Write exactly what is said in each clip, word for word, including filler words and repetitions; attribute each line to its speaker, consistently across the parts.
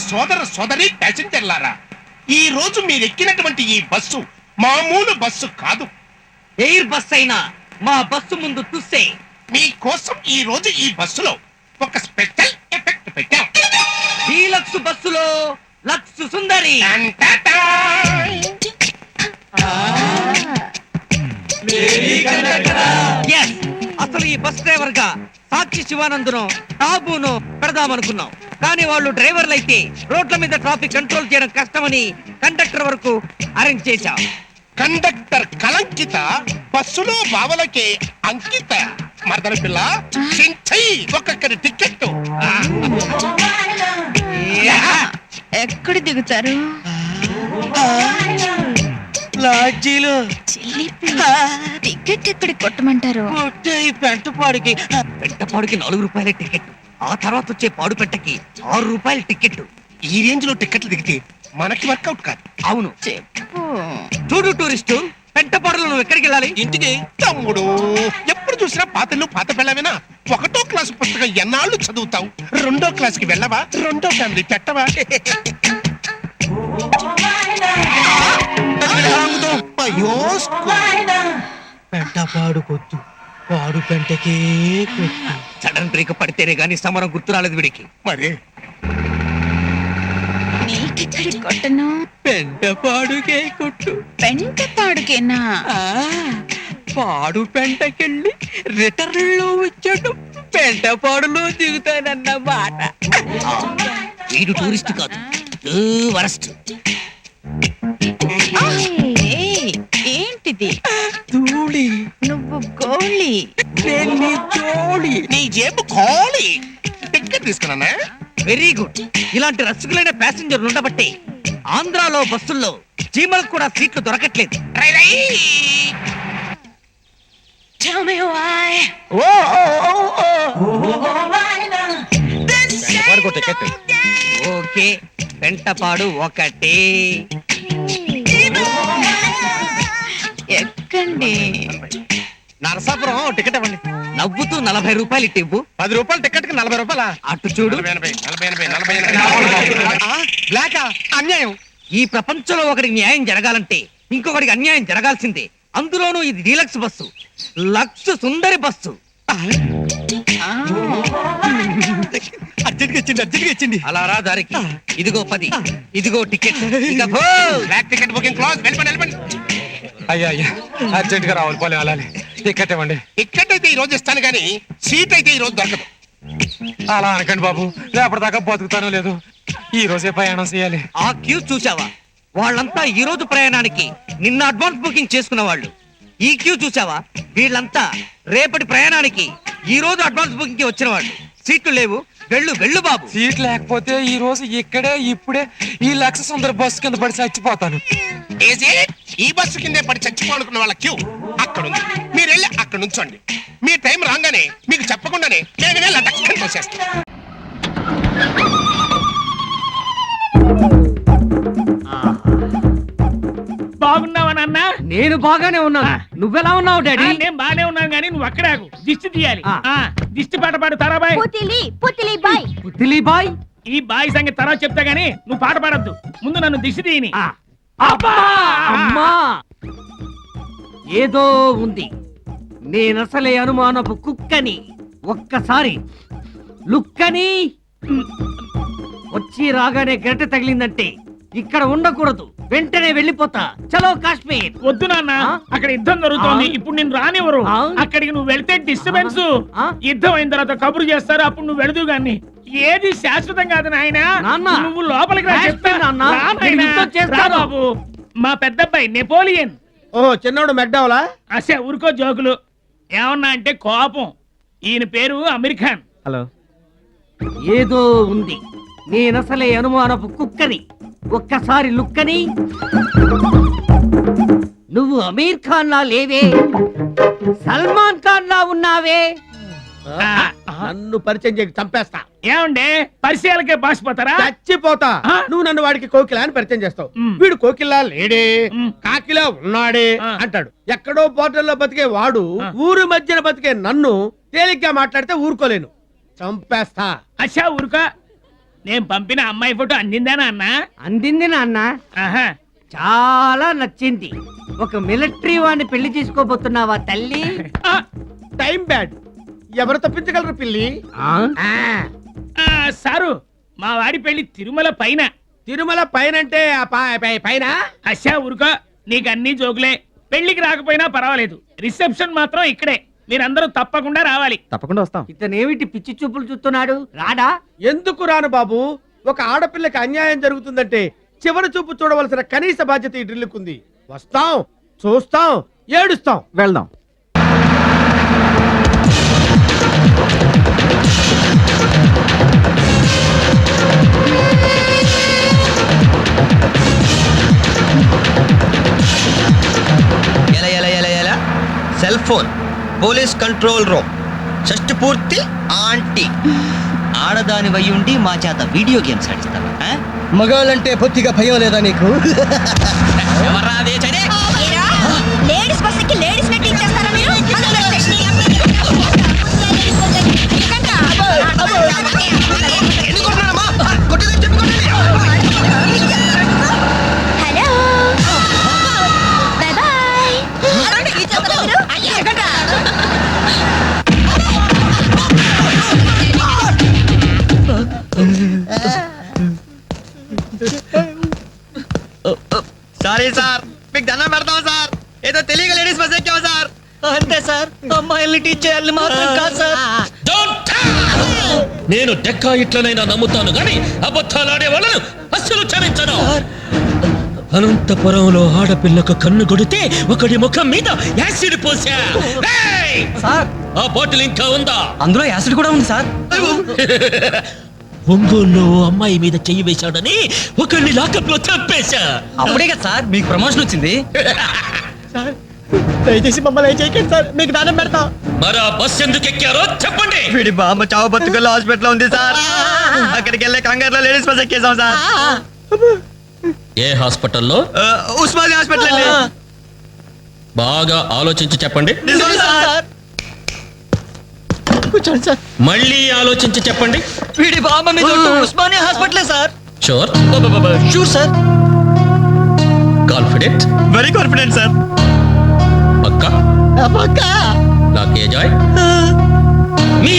Speaker 1: సోదర సోదరి ప్యాసింజర్లారా, ఈ రోజు మీరు ఎక్కినటువంటి ఈ బస్సు మామూలు బస్సు కాదు.
Speaker 2: ఎయిర్ బస్ అయినా మా బస్సు ముందు తుస్సే.
Speaker 1: మీకోసం ఈ రోజు ఈ బస్సులో ఒక స్పెషల్ ఎఫెక్ట్ పెట్టాం.
Speaker 2: డీలక్స్ బస్సులో లక్స్ సుందరి. Yes, అసలు ఈ బస్ డ్రైవర్ గా సాక్షి శివానందును టాబును పెడదామనుకున్నాం, కానీ వాళ్ళు డ్రైవర్లు అయితే రోడ్ల మీద ట్రాఫిక్ కంట్రోల్ చేయడం కష్టమని కండక్టర్ వరకు అరేంజ్ చేశాం.
Speaker 1: కండక్టర్ కలంకిత, బస్సులో బావలకే అంకిత. మరదల పిల్ల చించై ఒక్కొక్కరి టికెట్.
Speaker 3: ఎక్కడ దిగుతారు?
Speaker 2: లాడ్జీలో.
Speaker 3: టికెట్ ఎక్కడికి కొట్టమంటారు?
Speaker 2: పెంటపాడుకి. పెంటపాడుకి నాలుగు రూపాయల టికెట్, ఆ తర్వాత వచ్చే పాడు పెట్టకి ఆరు రూపాయల టికెట్.
Speaker 1: ఈ రేంజ్ లో టికెట్లు దిగితే మనకి వర్కౌట్ కాదు.
Speaker 2: అవును,
Speaker 3: చెప్పు.
Speaker 2: చూడు టూరిస్టు, పెంటపాడులో నువ్వు ఎక్కడికి వెళ్ళాలి?
Speaker 1: ఇంటికి. తమ్ముడు, ఎప్పుడు చూసినా పాతలు పాత పిల్లవేనా? ఒకటో క్లాసు పుస్తకం ఎన్నాళ్ళు చదువుతావు? రెండో క్లాస్ కి వెళ్ళవా? రెండో ఫ్యామిలీ పెట్టవా?
Speaker 2: పెంటపాడు కొద్దు, పాడు పెంటకే కొద్దు. సడన్ బ్రేక్ పడితేనే గానీ సమరం గుర్తు రాలేదు వీడికి.
Speaker 1: మరి
Speaker 3: నీకెక్కడికి కొట్టను?
Speaker 2: పెంటపాడుకే కొట్టు.
Speaker 3: పెంటపాడుకేనా?
Speaker 2: పాడు పెంటకెళ్ళి రిటర్న్ లో వచ్చాడు, పెంటపాడులో దిగుతానన్న మాట. వీడు టూరిస్ట్ కాదు, వరస్ట్.
Speaker 3: ఏంటిది?
Speaker 2: ధూళి.
Speaker 3: నువ్వు గోళి.
Speaker 2: జోళి.
Speaker 1: నీ జేబు ఖాళీ. టికెట్ తీసుకున్నా.
Speaker 2: Very good. ఇలాంటి రసికులైన ప్యాసింజర్లు ఉండబట్టే ఆంధ్రాలో బస్సుల్లో చీమలకు కూడా సీట్లు దొరకట్లేదు. ఓకే, పెంటపాడు ఒకటే.
Speaker 3: ఎక్కండి.
Speaker 2: నరసాపురం టికెట్ ఇవ్వండి. నవ్వుతూ నలభై రూపాయలు ఇవ్వు.
Speaker 1: పది రూపాయలు టికెట్ కి నలభై రూపాయల.
Speaker 2: అటు చూడు.
Speaker 1: బ్లాకా? అన్యాయం.
Speaker 2: ఈ ప్రపంచంలో ఒకరికి న్యాయం జరగాలంటే ఇంకొకరికి అన్యాయం జరగాల్సిందే. అందులోనూ ఇది డీలక్స్ బస్సు, లక్స్ సుందరి బస్సు.
Speaker 1: అర్జెంట్గా ఇచ్చింది, అర్జెంట్గా ఇచ్చింది.
Speaker 2: అలా రా దారికి. ఇదిగో పది, ఇదిగో టికెట్.
Speaker 1: Ticket booking close. వెళ్ళిపోండి, వెళ్ళిపోండి.
Speaker 4: అయ్యా అయ్యా, అర్జెంట్ గా రావాలి, పోలే అలానే. టికెట్ ఇవ్వండి.
Speaker 1: టికెట్ అయితే ఈ రోజు ఇస్తాను కానీ సీట్ అయితే ఈ రోజు దొరకదు.
Speaker 4: అలా అనకండి బాబు, రేపటిదాకా బతుకుతానో లేదు. ఈ రోజే ప్రయాణం చేయాలి.
Speaker 2: ఆ క్యూ చూసావా? వాళ్ళంతా ఈ రోజు ప్రయాణానికి నిన్న అడ్వాన్స్ బుకింగ్ చేసుకున్న వాళ్ళు. ఈ క్యూ చూసావా? వీళ్ళంతా రేపటి ప్రయాణానికి ఈ రోజు అడ్వాన్స్ బుకింగ్ కి వచ్చిన వాళ్ళు. సీట్లు లేవు, వెళ్ళు వెళ్ళు బాబు.
Speaker 4: సీట్ లేకపోతే ఈ రోజు ఇక్కడే ఇప్పుడే ఈ లక్ష సుందర బస్సు కింద పడి చచ్చిపోతాను.
Speaker 1: ఈ బస్సు కిందే పడి చచ్చిపోనుకున్న వాళ్ళ క్యూ అక్కడ ఉంది. మీరు వెళ్ళి అక్కడ నుంచోండి. మీ టైం రాగానే మీకు చెప్పకుండానే నేను వెళ్ళి అటక్కని తోసేస్తాను.
Speaker 5: బాగున్నావా నాన్న?
Speaker 2: నేను బాగానే ఉన్నాను. నువ్వెలా ఉన్నావు డాడీ?
Speaker 5: నేను బాగానే ఉన్నాను కానీ నువ్వు అక్కడాకు. దిష్టి తీయాలి. దిష్టి పాట పాడు తరాబాయ్.
Speaker 2: పుతిలి బాయ్.
Speaker 5: ఈ బాయ్ సంగతి తర్వాత చెప్తా గానీ నువ్వు పాట పాడద్దు. ముందు నన్ను దిష్టి తీయని.
Speaker 2: అమ్మా, ఏదో ఉంది. నేనసలే అనుమానపు కుక్కని. ఒక్కసారి లుక్కని వచ్చి రాగానే గంట తగిలిందంటే ఇక్కడ ఉండకూడదు, వెంటనే వెళ్ళిపోతా. చలో కాశ్మీర్.
Speaker 5: వద్దు నాన్న, అక్కడ యుద్ధం జరుగుతోంది. ఇప్పుడు నేను రానివ్వరు. అక్కడికి నువ్వు వెళ్తే డిస్టర్బెన్స్. యుద్ధం అయిన తర్వాత కబురు చేస్తారు, అప్పుడు నువ్వు వెళదు గాని. ఏది శాశ్వతం కాదు నాయన. నువ్వు లోపలికి రా చెప్తా. బాబు, మా పెద్దబ్బాయి నెపోలియన్.
Speaker 6: ఓ చిన్నోడు మెక్డవలా?
Speaker 5: అసే ఊరుకో జోకులు. ఏమన్నా అంటే కోపం. ఈయన పేరు అమీర్ ఖాన్.
Speaker 6: హలో.
Speaker 2: ఏదో ఉంది. నేనసలే అనుమానపు కుక్కని. ఒక్కసారి లుక్కని. నువ్వు అమీర్ ఖాన్ లా లేవే, సల్మాన్ ఖాన్ లా ఉన్నావే.
Speaker 6: నన్ను పరిచయం చేయక చంపేస్తా.
Speaker 5: ఏమండే పరిచయాలకే బాసిపోతారా?
Speaker 6: చచ్చిపోతా. నువ్వు నన్ను వాడికి కోకిలా అని పరిచయం చేస్తావు. వీడు కోకిలా లేడే, కాకిలా ఉన్నాడే అంటాడు. ఎక్కడో పోర్టల్లో బతికే వాడు ఊరు మధ్యన బతికే నన్ను తేలిగ్గా మాట్లాడితే ఊరుకోలేను, చంపేస్తా.
Speaker 5: అచ్చా ఊరుకో. నేను పంపిన అమ్మాయి ఫోటో అందిందేనా అన్నా?
Speaker 7: అందింది నాన్న,
Speaker 5: ఆహా.
Speaker 7: చాలా నచ్చింది. ఒక మిలిటరీ వాడిని పెళ్లి చేసుకోబోతున్నావా తల్లి?
Speaker 5: ఆ,
Speaker 6: టైం బ్యాడ్. ఎవరు తప్పించగలరు పిల్లి?
Speaker 7: ఆ?
Speaker 5: ఆ, సారు మా వాడి పెళ్లి తిరుమల పైన.
Speaker 6: తిరుమల పైనంటే ఆ పై- పై- పైన
Speaker 5: అచ్చా ఊరుకో, నీకు అన్ని జోకులే. పెళ్లికి రాకపోయినా పర్వాలేదు, రిసెప్షన్ మాత్రం ఇక్కడే. మీరందరూ తప్పకుండా రావాలి.
Speaker 4: తప్పకుండా వస్తాం.
Speaker 7: ఇతనేమిటి పిచ్చి చూపులు చూస్తున్నాడు? రాడా?
Speaker 6: ఎందుకు రాను బాబు? ఒక ఆడపిల్లకి అన్యాయం జరుగుతుందంటే చివరి చూపు చూడవలసిన కనీస బాధ్యత ఈ డ్రిల్లుకుంది. వస్తాం, చూస్తాం, ఏడుస్తాం.
Speaker 4: వెళ్దాం.
Speaker 2: ఎలా ఎలా ఎలా ఎలా cell phone police control room షష్టి పూర్తి ఆంటీ ఆడదాని వయ్యుండి మా చేత వీడియో గేమ్స్ ఆడిస్తావా?
Speaker 8: మగాళ్ళంటే పొత్తిగా భయం లేదా నీకు?
Speaker 3: లేడీస్ బస్ కి లేడీస్ నెట్ ఇచ్చేస్తారా మీరు? Hello bye bye.
Speaker 2: Sorry sir, మీకు దండం పెడతాం సార్. ఏదో తెలియక లేడీస్ బస్ ఎక్కాం సార్. అంతే సార్, అమ్మాయిల్ని టీచ్ చేయాలి మాత్రం కాదు సార్.
Speaker 9: నేను డెక్కా ఇట్లనైనా నమ్ముతాను గాని అబద్ధాలాడే వాళ్ళను అస్సలు క్షమించను. అనంతపురంలో ఆడపిల్లకు కన్ను కొడితే ఒకడి ముఖం మీద యాసిడ్ పోసా. ఏయ్! ఆ బాటిల్ ఇంకా ఉందా?
Speaker 2: అందులో యాసిడ్ కూడా ఉంది సార్.
Speaker 9: ఒంగోలులో అమ్మాయి మీద చెయ్యి వేశాడని ఒకడిని లాకప్ లో చంపేశా.
Speaker 2: అప్పుడే కదా సార్ మీకు ప్రమోషన్ వచ్చింది.
Speaker 8: దయచేసి మమ్మల్ని చేయకండి సార్, మీకు దానం పెడతాం.
Speaker 9: మరా బస్ ఎందుకు ఎక్కారో చెప్పండి.
Speaker 2: వీడి బామ్మ చావు బతుకల్లో హాస్పిటల్ ఉంది సార్. అక్కడికి వెళ్ళే కంగారులో లేడీస్ బస్ ఎక్కేసాం సార్.
Speaker 9: ఏ హాస్పిటల్లో?
Speaker 2: ఉస్మానియా హాస్పిటల్ అండి.
Speaker 9: బాగా ఆలోచించి చెప్పండి.
Speaker 2: నిజం సార్.
Speaker 8: కూర్చోండి సార్.
Speaker 9: మళ్ళీ ఆలోచించి చెప్పండి.
Speaker 2: వీడి బామ్మ మీద ఉస్మానియా హాస్పిటలే sir.
Speaker 9: Sure?
Speaker 2: Sure sir.
Speaker 9: Confident?
Speaker 2: Very confident sir.
Speaker 9: పక్కా?
Speaker 8: పక్క
Speaker 9: నాకే జాయ్. మీ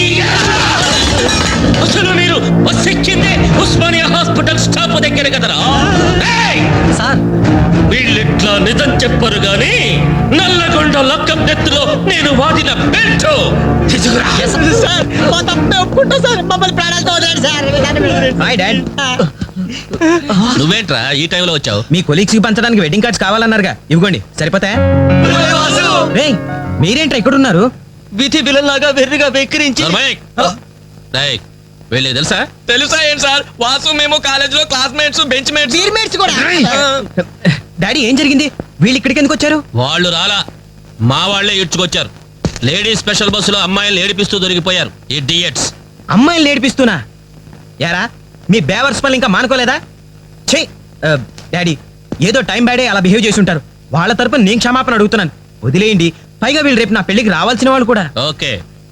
Speaker 9: అసలు మీరు బస్ ఎక్కిందే ఉస్మానియా హాస్పిటల్ స్టాప్ దగ్గర కదరా? ఏయ్!
Speaker 2: సార్
Speaker 9: వీళ్ళిట్లా నిజం చెప్పరు గాని నల్లగొండ లక్కం నెత్తులో నేను వాడిన బెల్ట్ తీసుకురా.
Speaker 8: సార్, మా తప్పే ఒప్పుకుంటా సార్, మమ్మల్ని ప్రాణాలతో వదిలేండి సార్.
Speaker 2: Hi dad.
Speaker 9: నువ్వేంట్రా ఈ టైంలో వచ్చావు?
Speaker 2: మీ కొలీగ్స్ కి పంచడానికి వెడ్డింగ్ కార్డ్స్ కావాలన్నారుగా, ఇవ్వండి సరిపోతాయా? రేయ్, మీరేంట్రా ఇక్కడ ఉన్నారు? విధి బిల్లలాగా వెర్రిగా వెక్కిరించి
Speaker 9: వెళ్ళే తెలుసా?
Speaker 2: తెలుసా ఏంటి సార్? వాసు మేము కాలేజ్ లో క్లాస్మేట్స్, బెంచ్ మేట్స్,
Speaker 8: మేట్స్ కూడా.
Speaker 2: డాడీ ఏం జరిగింది? వీళ్ళు ఇక్కడికి ఎందుకు వచ్చారు?
Speaker 9: వాళ్ళు రాలా, మా వాళ్లే ఇడ్చుకొచ్చారు. లేడీస్ స్పెషల్ బస్సులో అమ్మాయిలు ఏడిపిస్తూ దొరికిపోయారు ఇడియట్స్.
Speaker 2: అమ్మాయిని ఏడిపిస్తున్నా? యారా మీ బేవర్స్ పనులు ఇంకా మానుకోలేదా? ఛీ డాడీ, ఏదో టైం బ్యాడే అలా బిహేవ్ చేసి ఉంటారు. వాళ్ళ తరపున నేను క్షమాపణ అడుగుతున్నాను, వదిలేయండి. పైగా వీళ్ళు రేపు నా పెళ్లికి రావాల్సిన వాళ్ళు కూడా.
Speaker 9: ఓకే.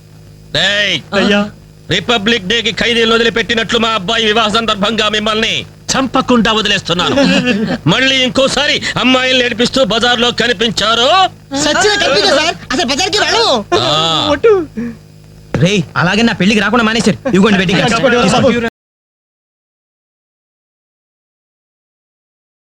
Speaker 9: రిపబ్లిక్ డే కి ఖైదీలు వదిలిపెట్టినట్లు మా అబ్బాయి వివాహ సందర్భంగా మిమ్మల్ని చంపకుండా వదిలేస్తున్నాను. మళ్ళీ ఇంకోసారి అమ్మాయిలు ఏడిపిస్తూ బజార్ లో కనిపించారు
Speaker 8: సచ్చిన కనిపించా సార్, అసలు బజార్కి వెళ్ళము.
Speaker 9: ఆ.
Speaker 2: రేయ్, అలాగే నా పెళ్లికి రాకుండా మానేశారు. ఇవ్వండి వెడ్డింగ్ కార్డ్స్.